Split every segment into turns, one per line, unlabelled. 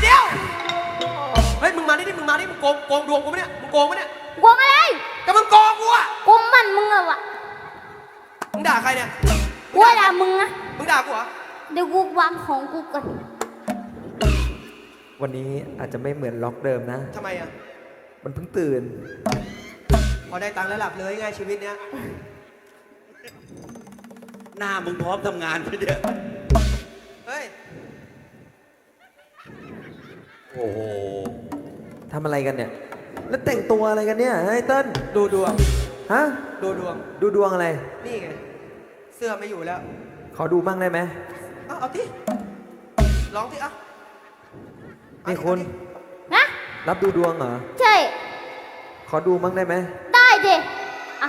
เดียวเฮ้ยมึงมาดิมึงโกงดวงกูปะเนี่ยมึงโกงปะเนี่ย
กวงอะไร
ก็มึงโกงกูอะ
กวงมันมึงอะวะ
มึงด่าใครเนี่ย
กูด่ามึงอะ
มึงด่ากูเหรอ
เดี๋ยวกูวางของกูก่อน
วันนี้อาจจะไม่เหมือนล็อกเดิมนะ
ทำไมอะ
มันเพิ่งตื่น
พอได้ตังค์แล้วหลับเลยไงชีวิตเนี้ย
หน้ามึงพร้อมทำงานไปเดี๋ยว
เฮ้ย
โอ้โห
ทำอะไรกันเนี่ย แล้วแต่งตัวอะไรกันเนี่ยไอ้เติ้ล
ดูดวง
ฮะ
ดูดวง
ดูดวงอะไร
นี่ไงเสื้อไม่อยู่แล้ว
ขอดูบ้างได้ไหม
เอาที่ร้องที่อ่ะ
นี่คุณ
นะ
รับดูดวงเหรอ
ใช่
ขอดูบ้างได้ไหม
ได้ดิอ่ะ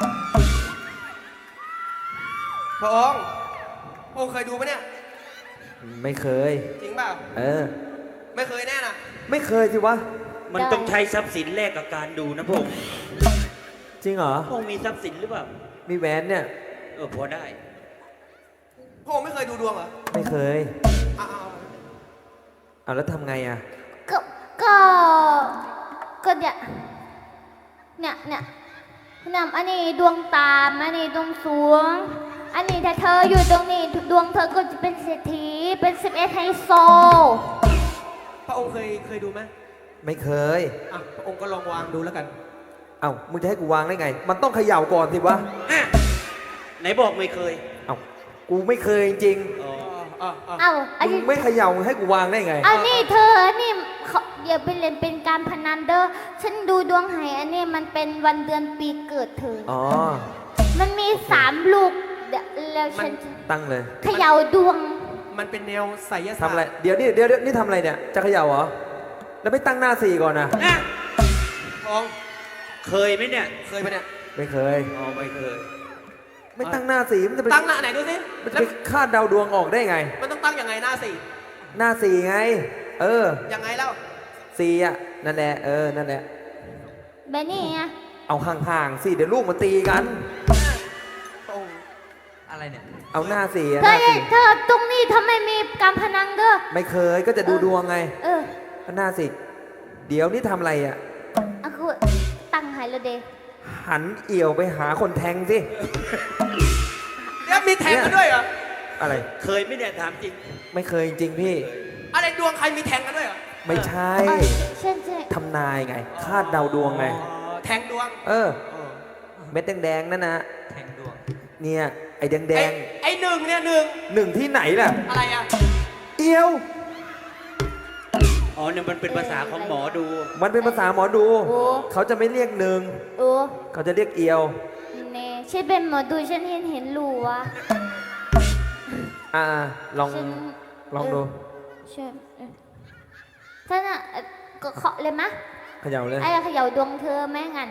พระองค์เคยดูปะเนี่ย
ไม่เคย
จริงเปล่า
เออ
ไม่เคยแน่น่ะ
ไม่เคยสิวะ
มันต้องใช้ทรัพย์สินแลกกับการดูนะพงษ์
จริงเหรอ
พงษ์มีทรัพย์สินหรือเปล่า
มีแหวนเนี่ย
พอได้
พระองค์ไม่เคยดูดวงเหรอ
ไม่เคย
เอา
เอาแล้วทำไงอ่ะ
ก็ก็ก็เนี่ยอันนี้ดวงตามอันนี้ดวงสูงอันนี้ถ้าเธออยู่ตรงนี้ดวงเธอก็จะเป็นเศรษฐีเป็น11ไฮโซ
พระองค์เคยดูไหม
ไม่เคย
อ่ะพระองค์ก็ลองวางดูแล้วกัน
เอ้ามึงจะให้กูวางได้ไง มันต้องเขย่าก่อนสิวะ
ไหนบอกไม่เคย
เอ้ากูไม่เคยจริง
เอาอัน
ๆมึ
นี้
งไม่เขย่าให้กูวางได้ไง
อันนี้เธอนี่เขาอย่าไปเล่นเป็นการพนันเด้อฉันดูดวงให้อันนี้มันเป็นวันเดือนปีเกิดเธอ
อ๋อ
มันมี3 ลูกเดี๋ยวแล้วฉันจะ
ตั้งเลย
เขย่าดวง
มันเป็นแนวไสยศาสตร์
ทำอะไร เดี๋ยวนี่ทำอะไรเนี่ย จะเขย่าเหรอ แล้วไม่ตั้งหน้าสี่ก่อนนะ
พระองค์
เคยไหมเนี่ย
เคยปะเนี่ย
ไม่เคย
อ๋อไม่เคย
ไม่ตั้งหน้าสี่มันจะไป
ตั้งหน้าไหนดูสิ
มันจะ
แล้ว
ไปคาดเดาดวงออกได้ไง
มันต้องตั้งยังไงหน้าสี่
หน้าสี่ไง เออ
ยังไงแล้ว
สี่อ่ะ นั่นแหละ เออ นั่นแหละ
แบบนี้ไง
เอาห่างๆสิ เดี๋ยวลูกมันตีกัน
พระองค์อะไรเนี่ย
เอาหน้าสี่อะ
เธ
ห
อ
น้าสี่
เธอตรงนี้ทำไมมีการพนันเด้อ
ไม่เคย ก็จะดูดวงไง
เออ
หน้าสี่เดี๋ยวนี่ทำอะไรอ่ะ
อะคือตั้งให้แล้วเด้
หันเอี่ยวไปหาคนแทงสิ
แล้วมีแทงกันด้วยเหรอ
อะไร
เคยไหมเนี่ยถามจริง
ไม่เคยจริงๆพี่
อะไรดวงใครมีแทงกันด้วยเหรอ
ไม่ใช่
ใช่ใช่
ทำนายไง คาดเดาดวงไง
อ๋อแทงดวง
เออ เม็ดแดงๆนั่นนะ
แทงดวง
เนี่ย ไอ้แดง
ไอ้หนึ่งเนี่ยหนึ่ง
ๆหนึ่งที่ไหนล่ะ
อะไรอ่ะ
เอียว
อ๋อเนี่ยมันเป็นภาษาของหมอดู
มันเป็นภาษาหมอดู เขาจะไม่เรียกหนึ่ง
โอ้
เขาจะเรียกเอียว
เน่ฉันเป็นหมอดูฉันเห็นรูวะ
อ่า ลอง
ฉัน
ลองดู
ฉันท่านอ่ะก็เคาะเลยมะ
เขย่าเลย
ไอ้เขย่าดวงเธอไหมงั้น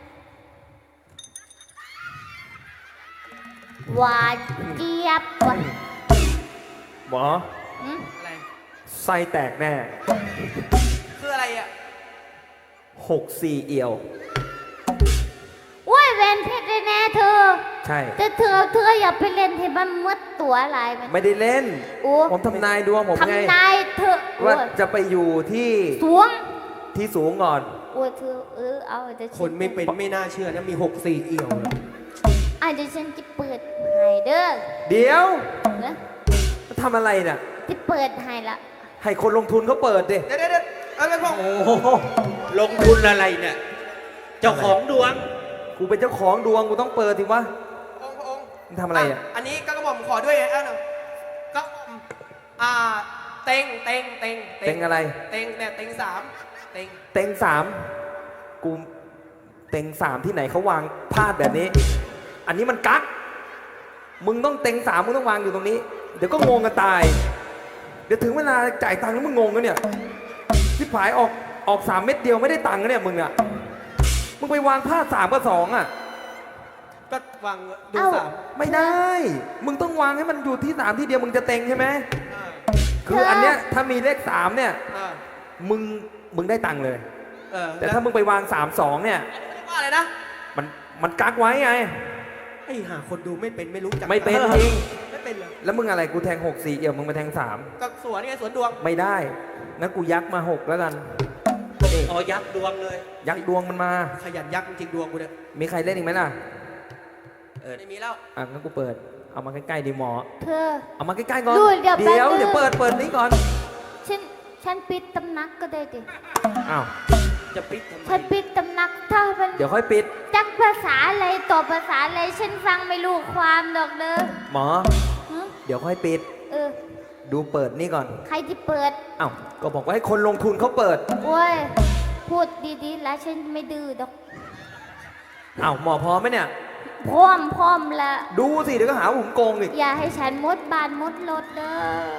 หวานเจี๊ยบว่ะ
หมอ
อืม
อะไร
ไส้แตกแน่
คืออะไรอ่ะ
6-4 เอียว
โอ้ยเวนเพชรเลยแน่เธอ
ใช่
แต่เธออย่าไปเล่นให้มันมืดตัวอะไรมัน
ไม่ได้เล่น
โอ้
ผมทำนายดวงผมไง
ทำนายเธอ
ว่าจะไปอยู่ที่
สวง
ที่สูงก่อน
โอ้ยเธอเอาเดี๋ยว
คนไม่เป็นไม่น่าเชื่อนะมี6-4 เอี่ยวเลย
เดี๋ยวฉันจะเปิดให้เด้อ
เดี๋ยว
นะ
ทำอะไรเนี่ย
จะเปิดให้ละ
ให้คนลงทุนเขาเปิดดิ
เดี๋ยวเอาไปพง
โอ้โห
ลงทุนอะไรเนี่ย เจ้าของดวง
กูเป็นเจ้าของดวงกูต้องเปิดสิวะ
พระองค์
มึงทำอะไรอ่ะ
อันนี้ก็กระหม่อมขอด้วยไงหน่อยก็เต็ง
เต็งอะไร
เต็งเนี่ยเต็งสามเต็ง
เต็งสามกูเต็งสามที่ไหนเขาวางพลาดแบบนี้ อันนี้มันกักมึงต้องเต็งสามมึงต้องวางอยู่ตรงนี้ เดี๋ยวก็งงกันตาย เดี๋ยวถึงเวลาจ่ายตังค์แล้วมึงงงกันเนี่ยที่ผายออก3 เม็ดเดียวไม่ได้ตังค์กันเนี่ยมึงอ่ะมึงไปวางพลาด3 กับ 2อ่ะ
ก็วางดูสาม
ไม่ได้ มึงต้องวางให้มันอยู่ที่3ที่เดียวมึงจะเต็งใช่ไหม
อ่า
คืออันเนี้ยถ้ามีเลข3เนี่ย
อ่า
มึงได้ตังค์เลย แต่ถ้ามึงไปวาง3-2เนี่ย
ว่าอะไรนะ
มันกักไว้ไง
ไอ้หาคนดูไม่เป็นไม่รู้จัก
ไม่เป็นจริง
ไม่เป็นเป็นเหรอ
แล้วมึงอะไรกูแทง6 4เอี่ยวมึงมาแทง3
ก็สวนไงสวนดวง
ไม่ได้งั้นกูยักมา6แล้วกันนี่
อ๋อยักษ์ดวงเลย
ยักดวงมันมา
ขยันยักษ์จริงๆดวงกูเนี่ย
มีใครเล่นอีกไหมล่ะ
ไม่มีแล้ว
อ่ะงั้นกูเปิดเอามาใกล้ๆดีหมอ
เธอ
เอามาใกล้ๆก่อน
ดูเดี๋ยวแป๊บนึง
เดี๋ยวเปิดนี้ก่อน
ฉันปิดตำนักก็ได้ดิ
อ้าว
จะปิดทำไม
ฉันปิดตำนักถ้ามัน
เดี๋ยวค่อยปิด
จักภาษาอะไรต่อภาษาอะไรฉันฟังไม่รู้ความดอกเด้อ
หมอ
ฮะ
เดี๋ยวค่อยปิด
เออ
ดูเปิดนี่ก่อน
ใครที่เปิด
อ้าวก็บอกว่าให้คนลงทุนเขาเปิด
โอ้ย พูดดีๆ แล้วฉันไม่ดื้อดอก
อ้าวหมอพร้อมไหมเนี่ย
พร้อมละ
ดูสิเดี๋ยวก็หาว่าผมโกงอีก
อย่าให้ฉันมดบานมดรถเด้อ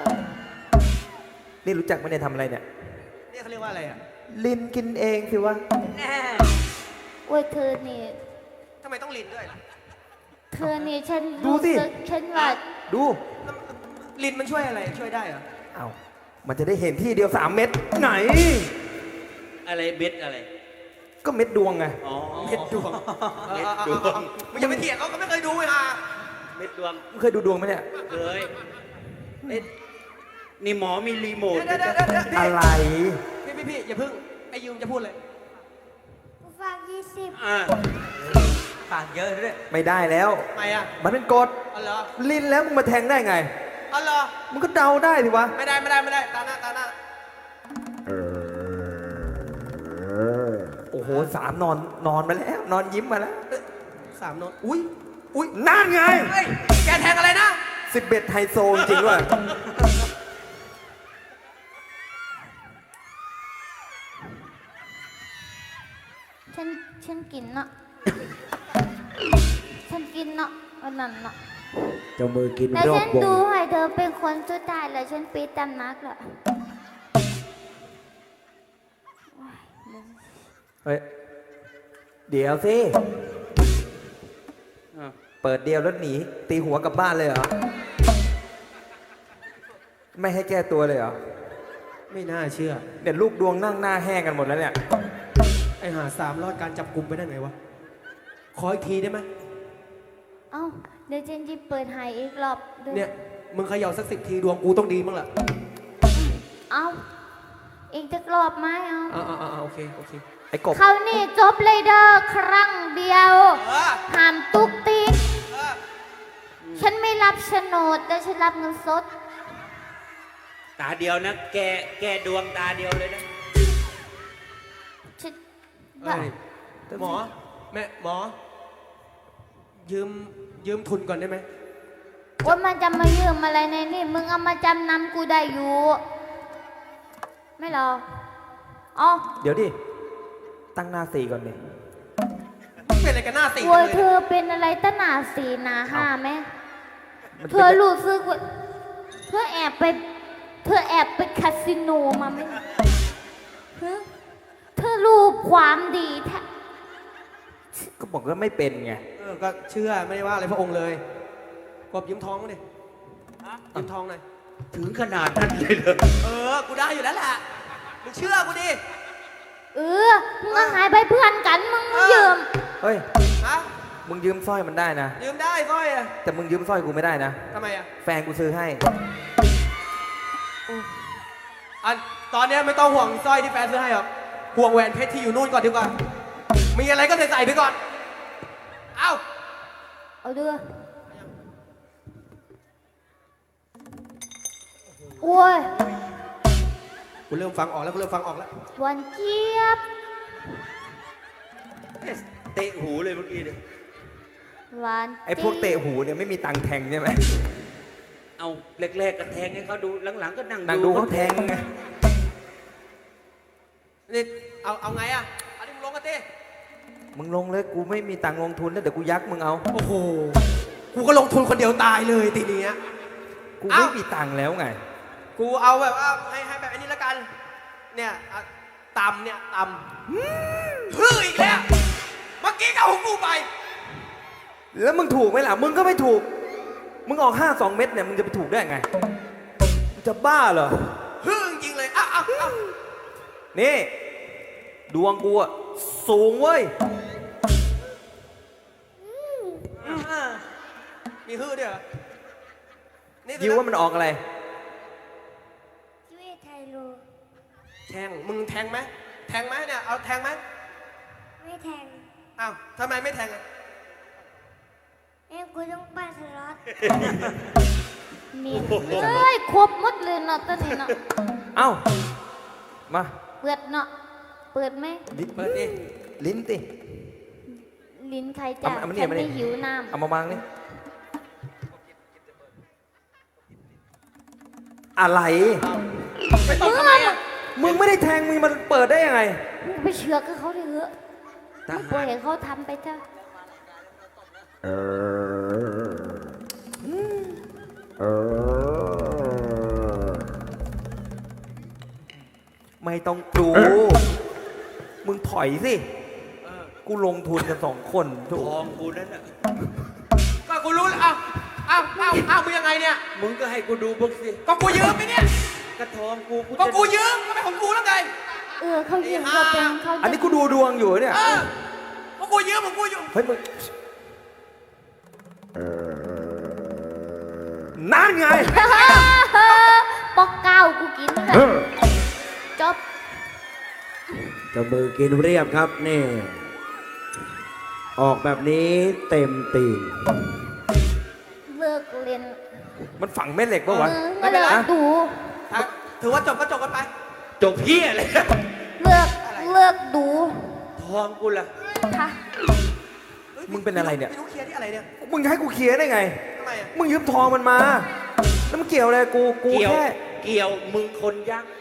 นี่รู้จักไหมเนี่ยทำอะไรเนี่ย
นี่เขาเรียกว่าอะไรอ่ะ
ลินกินเองสิวะ
แน่
โอ้ยเธอนี่
ทำไมต้องลินด้วยล่ะ
เธอนี่ฉัน
ดูสิ
สึกฉันว่า
ดู
ลินมันช่วยอะไรช่วยได้เหรอ
อ้าวมันจะได้เห็นที่เดียว3 เม็ดไหน
อะไรเบ็ดอะไร
ก็เม็ดดวงไง
อ๋อ
เม็ดดวง
เม็ดดวง
มันจะไปเถียงเขาก็ไม่เคยดูเลยฮะ
เม็ดดวง
มึงเคยดูดวงไหมเนี่ย
เคยเอ๊ะนี่หมอมีรีโมท
เดี๋ยว
อะไร
พี่อย่าเพิ่งไอ้ยูมจะพูดเลย
ฝาก20
อ่า
ปากเยอะด้วย
ไม่ได้แล้ว
ทำไมอ่ะ
มันเป็นกฎ
อ๋อเหรอ
ลินแล้วมึงมาแทงได้ไง
อ๋อเหรอ
มึงก็เดาได้สิวะ
ไม่ได้ตาหน้า
โอ้โห3นอนมาแล้ว นอนยิ้มมาแล้ว
3 โน้ตอุ้ย
นั่นไง
เฮ้ยแกแทงอะไรนะ
11ไฮโซจริงด้วย
ฉันกินเนาะ ฉันกินเนาะวันนั้นเนาะ
เจ้ามือกิน
แต่
รอ
ฉั
บ
น
วง
ดูให้เธอเป็นคนสุดท้ายแล้วฉันปิดตำนักละ
เฮ้ย เดี๋ยวสิ
อ่า
เปิดเดียวแล้วหนี ตีหัวกลับบ้านเลยเหรอ ไม่ให้แก้ตัวเลยเหรอ
ไม่น่าเชื่อ
เนี่ยลูกดวงนั่งหน้าแห้งกันหมดแล้วเนี่ย
ไอ้หา3รอดการจับกลุ่มไปได้ไงวะ ขออีกทีได้ไหม
เอ้าเดี๋ยวฉันจะเปิดให้อีกรอบด้วย
เนี่ย มึงเขย่าสัก10 ทีดวงกูต้องดีมั้งล่ะ
เอ้าอีกจะรอบไหมเอา
โอเค
ไอ้กบ
เขาวนี่จบเลยเด้อครั้งเดียว
เออ
ห้ามตุกติก
เออ
ฉันไม่รับโฉนดแต่ฉันรับเงินสด
ตาเดียวนะ แกดวงตาเดียวเลยนะ
ฉัน
เอ้ยหมอ หมอ ยืมทุนก่อนได้ไหม
ว่ามันจะมายืมอะไรในนี่มึงเอามาจำนำกูได้อยู่ ไม่หรออ๋อ
เดี๋ยวดิ ตั้งหน้า4ก่อนดิ
เป็นอะไรกันหน้าติ่ง
โวย
เลย
เธอเป็นอะไรตั้งหนาสี่หนาห้าไหม
มัน
เธ
เป็น
อรู้สึกว่าเธอแอบไปคาสิโนมาไหมฮะเธอรู้ความดีแท้
ก็บอกว่าไม่เป็นไง
ก็เชื่อไม่ได้ว่าอะไรพระองค์เลยกบยืมทองมาดิยืมทองหน่อย
ถึงขนาดนั้นเลยเหรอ
กูได้อยู่แล้วแหละ มึงเชื่อกูดิ
เออมึงก็หายไปเพื่อนกันมึงยืม
เฮ้ย
ฮะ
มึงยืมสร้อยมันได้นะ
ยืมได้สร้อยอะ
แต่มึงยืมสร้อยกูไม่ได้นะ
ทำไมอะ
แฟนกูซื้อให้
อันตอนเนี้ยไม่ต้องห่วงสร้อยที่แฟนซื้อให้หรอกห่วงแหวนเพชรที่อยู่นู่นก่อนดีกว่า มีอะไรก็ใส่ไปก่อน เอ้า
เอาเด้อโอ้ย
กูเริ่มฟังออกแล้ว
หวานเจี๊ยบ
เตะหูเลยเมื่อกี้เนี่ย
หวาน
ไอ้พวกเตะหูเนี่ยไม่มีตังค์แทงใช่ไหม
เอาแรกๆก็แทงให้เขาดูหลังๆก็นั่ง
นางดูเขาแทงไง
นี่เอาไงอะเอาดิมึงลงกันดิ
มึงลงเลยกูไม่มีตังค์ลงทุนแล้วเดี๋ยวกูยักมึงเอา
โอ้โห กูก็ลงทุนคนเดียวตายเลยทีนี้
กู
เอ้า
ไม่มีตังค์แล้วไง
กูเอาแบบว่าให้แบบอันนี้ละกัน เนี่ยอ่ะต่ำเนี่ยต่ำฮืออีกแล้ว เมื่อกี้ก็เอาของกูไป
แล้วมึงถูกไหมล่ะ มึงก็ไม่ถูก มึงออก52 เม็ดเนี่ยมึงจะไปถูกได้ไงมึงจะบ้าเหรอ
ฮือจริงๆเลยอ้าว
นี่ ดวงกูอะสูงเว้ย
มีฮือด้วยเหรอนี่
ยิวว่ามันออกอะไร
ชีวิตไทยโล
แทงมึงแทงไหมแทงไหมเนี่ยเอาแทงไหม
ไม่แทง
อ้าวทำไมไม่แทงอ่ะ
กูต้องปั้นสล็อตเมียเอ้ยครบหมดเลยเนาะตอนนี้เนาะ
เอ้า มา
เปิดเนาะเปิดไหม
ลิ้น
เปิดดิ
ลิ้นติ
ลิ้นใครจ้ะ
เอามานี่
ฉัน
เอามานี่
ไม่หิวน้
เอามาวางนี่อะไร
ไม่
ำ
ต้องทำไมอ่ะ
มึงไม่ได้แทงมึงมันเปิดได้ยังไง
มึงไปเชือกกับเขาเลยเหอะ
ท
มึงปล่
หา
อย
ร
ให้เขาทำไปเถอะ
ไม่ต้องดู มึงถอยสิ
เออ
กูลงทุนกัน2 คนถู
ท
ก
องกูนั่นน่ะ
ก็กูรู้แล้วอ้าวมึงยังไงเนี่ย
มึงก็ให้กูดูบ้างสิ
ก็กูยืมไปเนี่ย
กระทองกู
ก็กูยืมก็เป็นของกูแล้วไง
เขายืมเขาเป็นเขา
อันนี้กูดูดวงอยู่เนี่ย
เออก็กูยืมของกูอยู่
เฮ้ยมึงนั่นไง
ปอกเก้ากูกินเลยจบ
เจะมือกินเรียบครับนี่ ออกแบบนี้เต็มตีน
เลิกเรียน
มันฝังแม่เหล็กปะวะ
ไม่เลิกดู
ถือว่าจบก็จบกันไป
จบเพี้ยเลย
เลิกดู
ทองกูล่ะ
ค่ะ
มึงเป็นอะไรเนี่ย
ไม่รู้เคลียร์ที่อะไรเนี่ย
มึงให้กูเคลียร์ได้ไง
ทำไมอ่ะ
มึงยืมทองมันมา แล้วมันเกี่ยวอะไรกู
เกี่ยว
แค่
เกี่ยวมึงคนยักษ์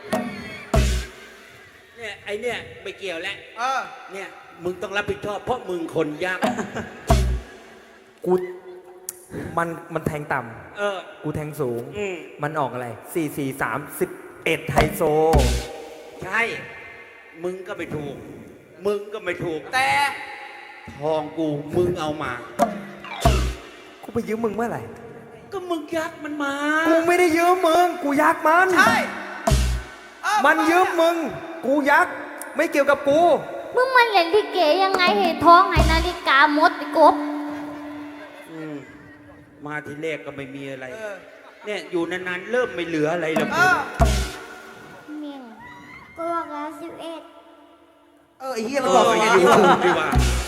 เนี่ยไอเนี่ยไม่เกี่ยวแล้ว
เออ
เนี่ยมึงต้องรับผิดชอบเพราะมึงคนยักษ์
กู มันแทงต่
เออ
ำ กูแทงสูง
อืม
มันออกอะไร 4 4 3 11ไฮโซ
ใช่ มึงก็ไม่ถูก มึงก็ไม่ถูก
แต่
ทองกูมึงเอามา
กูไปยืมมึงเมื่อไหร่
ก็มึงยักษ์มันมา
กูไม่ได้ยืมมึง กูยักมัน
ใช่เออ
มันยืมมึง กูยัก ไม่เกี่ยวกับกู
มึงมันเล่นลิเกยังไงเห็นท้องให้นาฬิกาหมดไอ้กบ
อืมมาทีแรกก็ไม่มีอะไร
เออ
เนี่ยอยู่นานๆเริ่มไม่เหลืออะไรแล้ว
เอ
กู
อ
เมียงก็บอกแล้ว11
ไอ้เหี้ย
เอ
มันบอก
อ
อย่าง
อย่า
นี้
ดูถูกดีกว่า